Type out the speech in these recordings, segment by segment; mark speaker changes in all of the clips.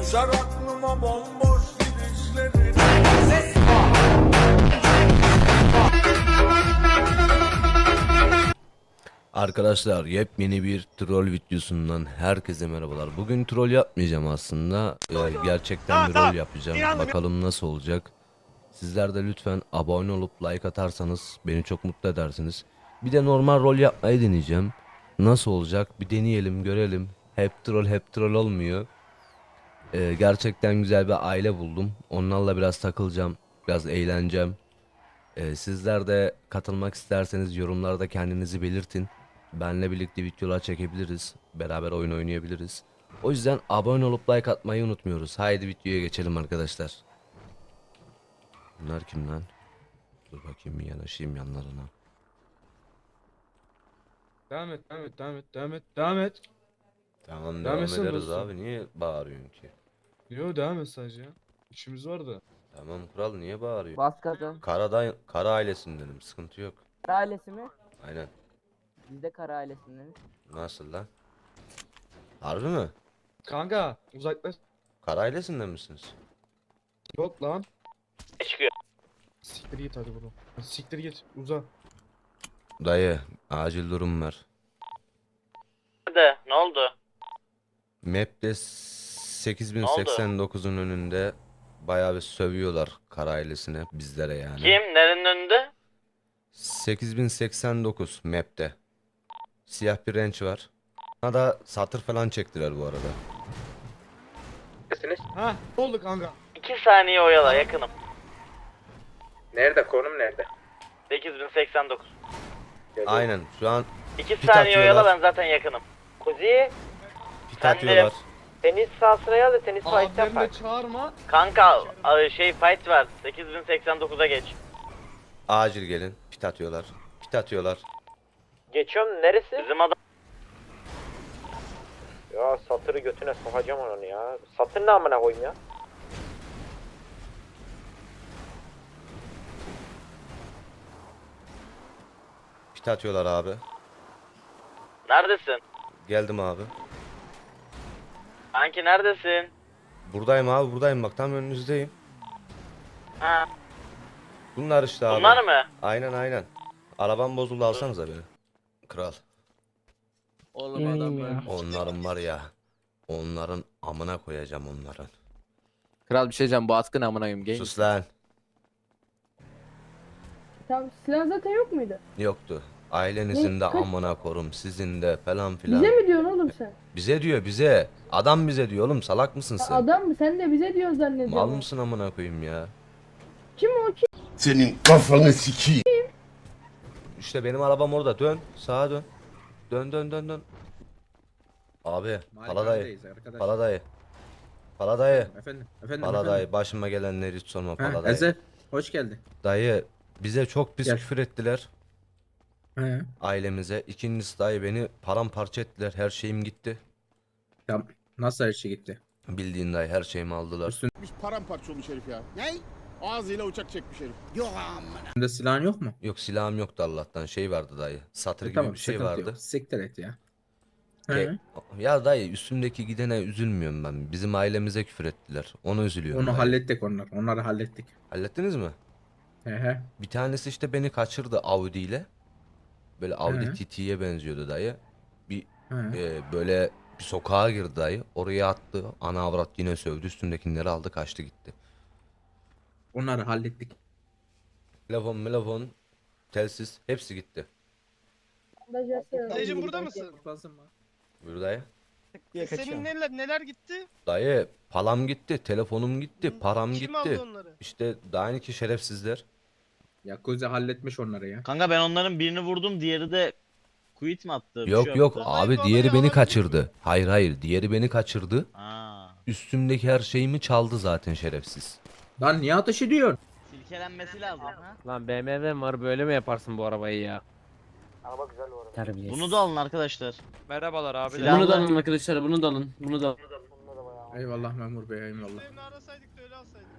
Speaker 1: Düşer aklıma bomboş gidişlerin.
Speaker 2: Arkadaşlar yepyeni bir troll videosundan herkese merhabalar. Bugün troll yapmayacağım aslında. Gerçekten bir rol yapacağım. Bakalım nasıl olacak. Sizler de lütfen abone olup like atarsanız beni çok mutlu edersiniz. Bir de normal rol yapmayı deneyeceğim. Nasıl olacak? Bir deneyelim, görelim. Hep troll olmuyor. Gerçekten güzel bir aile buldum. Onlarla biraz takılacağım. Biraz eğleneceğim. Sizler de katılmak isterseniz yorumlarda kendinizi belirtin. Benle birlikte videolar çekebiliriz. Beraber oyun oynayabiliriz. O yüzden abone olup like atmayı unutmuyoruz. Haydi videoya geçelim arkadaşlar. Bunlar kim lan? Dur bakayım bir yanaşayım yanlarına.
Speaker 3: Devam et, devam et, devam et, devam et, devam et.
Speaker 2: Tamam
Speaker 3: Devam
Speaker 2: devam
Speaker 3: etsene
Speaker 2: ederiz
Speaker 3: dostum.
Speaker 2: abi. Niye bağırıyorsun ki?
Speaker 3: Yo, devam et sadece ya. İşimiz var da.
Speaker 2: Tamam kral niye bağırıyorsun?
Speaker 4: Bas gaza.
Speaker 2: Kara ailesindenim. Sıkıntı yok.
Speaker 4: Kara ailesi mi?
Speaker 2: Aynen.
Speaker 4: Biz de kara ailesindeniz.
Speaker 2: Nasıl lan? Harbi mi?
Speaker 3: Kanka, uzaklaş.
Speaker 2: Kara ailesinde misiniz?
Speaker 3: Yok lan.
Speaker 5: Çıkıyor.
Speaker 3: Siktir git hadi bunu. Siktir git, uza.
Speaker 2: Dayı acil durum var.
Speaker 5: Ne oldu?
Speaker 2: Map'te 8089'un önünde bayağı bir sövüyorlar kara ailesine, bizlere yani.
Speaker 5: Kim? Nerenin önünde?
Speaker 2: 8089 map'te. Siyah bir renç var. Bana da satır falan çektiler bu arada.
Speaker 3: Ha, ne oldu kanka?
Speaker 5: 2 saniye oyala, yakınım.
Speaker 6: Nerede? Konum nerede?
Speaker 5: 8089.
Speaker 2: Aynen şu an
Speaker 5: 2
Speaker 2: Pit
Speaker 5: saniye oyala,
Speaker 2: atıyorlar.
Speaker 5: ben zaten yakınım. Kuzi,
Speaker 2: pit
Speaker 5: Ben de-
Speaker 2: atıyorlar.
Speaker 4: Tenis sahasına gel de tenis fight
Speaker 3: Abilerini
Speaker 4: yapar.
Speaker 3: de çağırma.
Speaker 5: kanka fight var. 8089'a geç.
Speaker 2: Acil gelin. Pit atıyorlar. Pit atıyorlar.
Speaker 4: Geçiyorum neresi?
Speaker 5: Bizim adam
Speaker 4: Ya satırı götüne sokacağım onu ya. Satır ne amına koyayım ya?
Speaker 2: Pit atıyorlar abi.
Speaker 5: neredesin?
Speaker 2: Geldim abi.
Speaker 5: Kanki neredesin?
Speaker 2: Buradayım abi, buradayım, bak tam önünüzdeyim.
Speaker 5: Ha,
Speaker 2: Bunlar işte abi.
Speaker 5: bunlar mı?
Speaker 2: Aynen. Arabam bozuldu, alsanıza beni. Kral.
Speaker 6: Oğlum adamlar.
Speaker 2: Onların var ya. Onların amına koyacağım onların.
Speaker 6: Kral bir şey diyeceğim, bu atkın amına koyayım genç.
Speaker 2: Sus lan.
Speaker 7: Tamam, silah zaten yok muydu?
Speaker 2: Yoktu. Ailenizin de
Speaker 7: Ne?
Speaker 2: amına korum, sizin de falan filan.
Speaker 7: Bize mi diyorsun oğlum sen?
Speaker 2: Bize diyor, bize. Adam bize diyor oğlum, salak mısın sen?
Speaker 7: Adam mı? Sen de bize diyorsun zannediyorsun.
Speaker 2: Mal mısın amına koyayım ya?
Speaker 7: Kim o kim?
Speaker 1: Senin kafanı sikeyim.
Speaker 2: İşte benim arabam orada, dön. Sağa dön. Dön. Abi, Paladayı. Paladayı. Paladayı.
Speaker 6: Efendim.
Speaker 2: Paladayı. Başıma gelenleri hiç sorma
Speaker 6: Ha,
Speaker 2: Paladayı.
Speaker 6: Ezel. Hoş geldin.
Speaker 2: Dayı, bize çok pis
Speaker 6: Gel.
Speaker 2: küfür ettiler.
Speaker 6: He.
Speaker 2: Ailemize. İkincisi dayı, beni paramparça ettiler. Her şeyim gitti.
Speaker 6: Tamam. Nasıl her şey gitti?
Speaker 2: Bildiğin dayı, her şeyimi aldılar.
Speaker 8: Paramparça olmuş herif ya. Ne? Ağzıyla uçak çekmiş herif.
Speaker 6: Üstünde silahın yok mu?
Speaker 2: Yok, silahım yoktu Allah'tan. Şey vardı dayı. Satır gibi
Speaker 6: Tamam,
Speaker 2: bir şey
Speaker 6: sıkıntı
Speaker 2: vardı.
Speaker 6: yok. Siktir et ya.
Speaker 2: Ke-
Speaker 6: He.
Speaker 2: Ya dayı, üstümdeki gidene üzülmüyorum ben. Bizim ailemize küfür ettiler. Ona üzülüyorum.
Speaker 6: Onu
Speaker 2: dayı.
Speaker 6: hallettik onlar. Onları hallettik.
Speaker 2: Hallettiniz mi?
Speaker 6: He.
Speaker 2: Bir tanesi işte beni kaçırdı Audi ile. Böyle Audi
Speaker 6: Hı.
Speaker 2: TT'ye benziyordu dayı. Bir
Speaker 6: He.
Speaker 2: böyle bir sokağa girdi dayı. Oraya attı. Ana avrat yine sövdü. Üstündekileri aldı, kaçtı gitti.
Speaker 6: Onları hallettik.
Speaker 2: Telefon, telsiz hepsi gitti.
Speaker 7: Dayıcım
Speaker 9: burada mısın?
Speaker 2: Buyur dayı.
Speaker 9: Senin neler gitti?
Speaker 2: Dayı, palam gitti, telefonum gitti, param
Speaker 9: Kim
Speaker 2: gitti.
Speaker 9: aldı onları?
Speaker 2: İşte daha ki şerefsizler.
Speaker 6: Yakuza halletmiş onları ya.
Speaker 5: Kanka ben onların birini vurdum, diğeri de quit mi attı? Bir şey
Speaker 2: Yok
Speaker 5: yaptı.
Speaker 2: abi,
Speaker 9: Olay
Speaker 2: diğeri beni
Speaker 9: olabilir
Speaker 2: kaçırdı. Hayır, diğeri beni kaçırdı.
Speaker 5: Ha.
Speaker 2: Üstümdeki her şeyimi çaldı zaten şerefsiz.
Speaker 6: Lan niye ateş ediyorsun?
Speaker 5: Silkelenmesi lazım ha.
Speaker 10: Lan BMW var, böyle mi yaparsın bu arabayı ya?
Speaker 5: Bunu da alın arkadaşlar.
Speaker 10: Merhabalar abi.
Speaker 5: Silahlı-
Speaker 10: Bunu da alın arkadaşlar, bunu da alın. Bunu da alın.
Speaker 6: Eyvallah memur bey, eyvallah.
Speaker 9: Evini arasaydık da öyle alsaydınız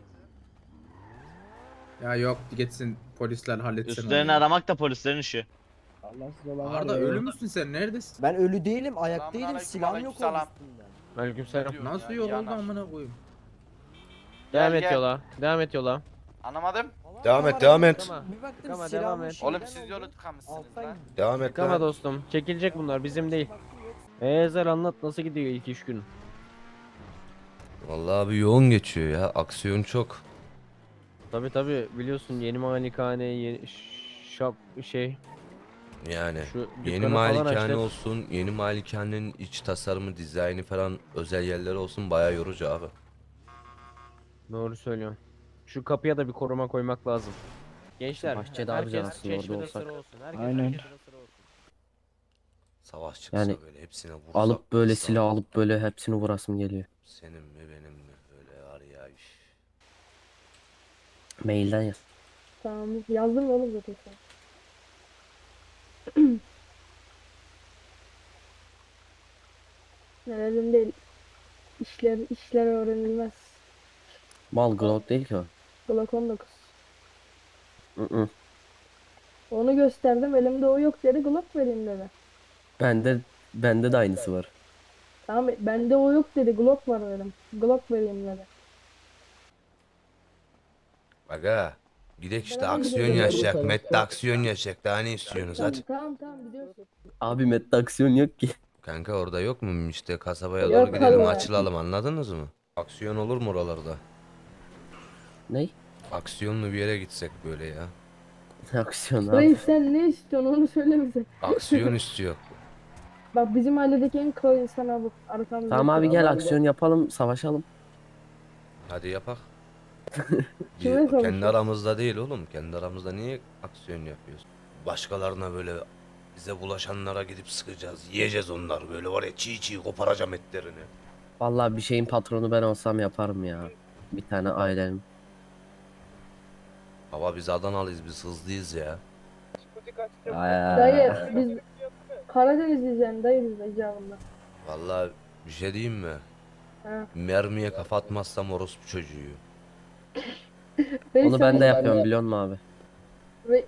Speaker 9: ya.
Speaker 6: Ya yok, gitsin polisler halletsin onu.
Speaker 5: Üstlerini aramak da polislerin işi.
Speaker 6: Arda ölü müsün sen? Neredesin?
Speaker 4: Ben ölü değilim, ayak değilim, silahım yok onun üstünde.
Speaker 10: Aleykümselam.
Speaker 6: Nasıl yol oldu amına koyayım?
Speaker 10: Devam
Speaker 4: Gel,
Speaker 10: et
Speaker 4: gel.
Speaker 10: yola. Devam et yola.
Speaker 4: Anlamadım.
Speaker 2: Devam et, devam et.
Speaker 10: Tıkama devam et.
Speaker 4: Oğlum siz yolu tıkamışsınız lan.
Speaker 2: Devam et
Speaker 10: Tıkama
Speaker 2: lan.
Speaker 10: dostum. Çekilecek bunlar bizim değil. Ezel anlat nasıl gidiyor ilk iş günün?
Speaker 2: Vallahi abi yoğun geçiyor ya. Aksiyon çok.
Speaker 10: Tabi biliyorsun yeni malikane yeni şap şey
Speaker 2: Yani
Speaker 10: şu
Speaker 2: yeni
Speaker 10: dükkanı falan
Speaker 2: malikane
Speaker 10: açtık.
Speaker 2: olsun, yeni malikanenin iç tasarımı, dizaynı falan özel yerleri olsun bayağı yorucu abi.
Speaker 10: Doğru söylüyorsun. Şu kapıya da bir koruma koymak lazım. Gençler
Speaker 11: Bahçede
Speaker 10: herkes
Speaker 11: harcan aslında orada
Speaker 10: çeşmede
Speaker 11: olsak.
Speaker 10: sıra olsun. Herkes
Speaker 11: Aynen.
Speaker 10: çeşmede sıra olsun.
Speaker 2: Savaş çıksa
Speaker 11: Yani
Speaker 2: böyle hepsine vursak.
Speaker 11: Alıp böyle
Speaker 2: vursak.
Speaker 11: silah alıp böyle hepsini vurasım geliyor.
Speaker 2: Senin mi benim mi öyle var ya. Üf.
Speaker 11: Mailden yaz.
Speaker 7: Tamam yazdım oğlum zaten sana. Nelerim değil. İşler öğrenilmez.
Speaker 11: Mal Glock değil ki o.
Speaker 7: Glock 19.
Speaker 11: Hı.
Speaker 7: Onu gösterdim elimde o yok dedi Glock vereyim dedi.
Speaker 11: Bende de aynısı var.
Speaker 7: Tamam bende o yok dedi Glock var dedim. Glock vereyim dedi.
Speaker 2: Aga gidek işte
Speaker 7: Beraber
Speaker 2: aksiyon
Speaker 7: gidelim.
Speaker 2: yaşayacak. Met'te aksiyon yaşayacak. Daha ne istiyorsunuz hadi.
Speaker 7: Tamam gidiyorsun.
Speaker 11: Abi Met'te aksiyon yok ki.
Speaker 2: Kanka orada yok mu işte kasabaya
Speaker 7: Yok
Speaker 2: doğru gidelim
Speaker 7: abi.
Speaker 2: açılalım anladınız mı? Aksiyon olur mu oralarda?
Speaker 11: Ney?
Speaker 2: Aksiyonlu bir yere gitsek böyle ya.
Speaker 11: Aksiyon abi.
Speaker 7: Reis sen ne istiyorsun onu söyle bize.
Speaker 2: Aksiyon istiyor.
Speaker 7: Bak bizim mahalledeki en kral insan abi. Arkamızda.
Speaker 11: Tamam abi gel aksiyon yapalım, savaşalım.
Speaker 2: Hadi yapak.
Speaker 7: Kime
Speaker 2: Kendi
Speaker 7: savaşıyorsun?
Speaker 2: aramızda değil oğlum. Kendi aramızda niye aksiyon yapıyoruz? Başkalarına böyle bize bulaşanlara gidip sıkacağız. Yiyeceğiz onları böyle var ya çiğ çiğ koparacağım etlerini.
Speaker 11: Vallahi bir şeyin patronu ben olsam yaparım ya. Bir tane ailenin.
Speaker 2: Baba biz Adanalıyız biz hızlıyız ya.
Speaker 7: Dayı biz Karadenizliyiz yani dayı biz de icabında.
Speaker 2: Vallahi bir şey diyeyim mi?
Speaker 7: Ha.
Speaker 2: Mermiye kafa atmazsam orospu çocuğu.
Speaker 7: Reis
Speaker 11: Onu
Speaker 7: sen-
Speaker 11: ben de yapıyorum biliyor musun abi?
Speaker 7: Re-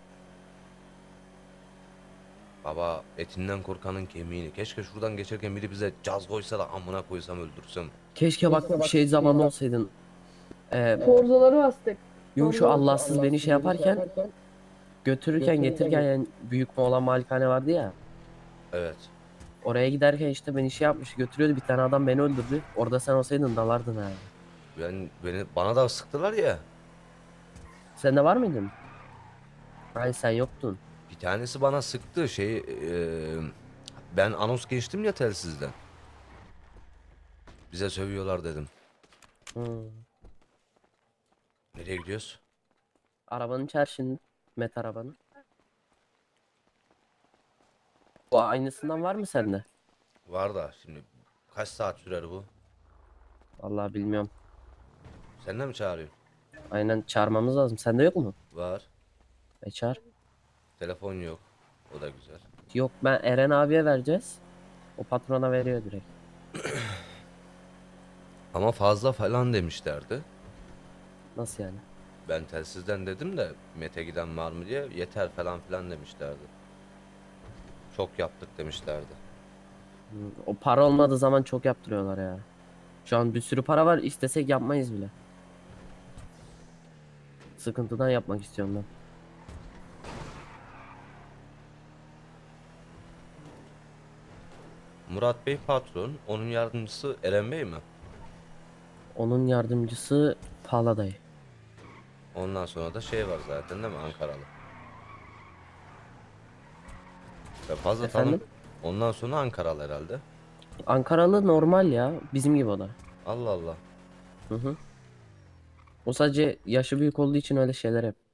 Speaker 2: Baba etinden korkanın kemiğini. Keşke şuradan geçerken biri bize caz koysa da amına koysam öldürsem.
Speaker 11: Keşke bak bir şey zaman olsaydın.
Speaker 7: Forzaları bastık.
Speaker 11: Yok şu Allahsız beni şey yaparken götürürken getirirken yani büyük Moğlan malikane vardı ya.
Speaker 2: Evet.
Speaker 11: Oraya giderken işte beni şey yapmış götürüyordu bir tane adam beni öldürdü. Orada sen olsaydın dalardın abi.
Speaker 2: Bana da sıktılar ya.
Speaker 11: Sen de var mıydın? Hayır sen yoktun.
Speaker 2: Bir tanesi bana sıktı ben anons geçtim ya telsizden. Bize sövüyorlar dedim.
Speaker 11: Hmm.
Speaker 2: Nereye gidiyoruz?
Speaker 11: Arabanın çer şimdi. Met arabanın. Bu aynısından var mı sende?
Speaker 2: Var da şimdi kaç saat sürer bu?
Speaker 11: Vallahi bilmiyorum.
Speaker 2: Sen de mi çağırıyorsun?
Speaker 11: Aynen çağırmamız lazım. Sende yok mu?
Speaker 2: Var.
Speaker 11: Çağır.
Speaker 2: Telefon yok. O da güzel.
Speaker 11: Yok ben Eren abiye vereceğiz. O patrona veriyor direkt.
Speaker 2: Ama fazla falan demişlerdi.
Speaker 11: Nasıl yani?
Speaker 2: Ben telsizden dedim de Mete giden var mı diye yeter falan filan demişlerdi. Çok yaptık demişlerdi.
Speaker 11: O para olmadığı zaman çok yaptırıyorlar ya. Şu an bir sürü para var istesek yapmayız bile. Sıkıntıdan yapmak istiyorum ben.
Speaker 2: Murat Bey patron, onun yardımcısı Eren Bey mi?
Speaker 11: Onun yardımcısı Pala dayı.
Speaker 2: Ondan sonra da şey var zaten değil mi Ankaralı? Ben fazla
Speaker 11: Efendim?
Speaker 2: tanım. Ondan sonra Ankaralı herhalde.
Speaker 11: Ankaralı normal ya. Bizim gibi o da.
Speaker 2: Allah Allah.
Speaker 11: Hı hı. O sadece yaşı büyük olduğu için öyle şeyler yap.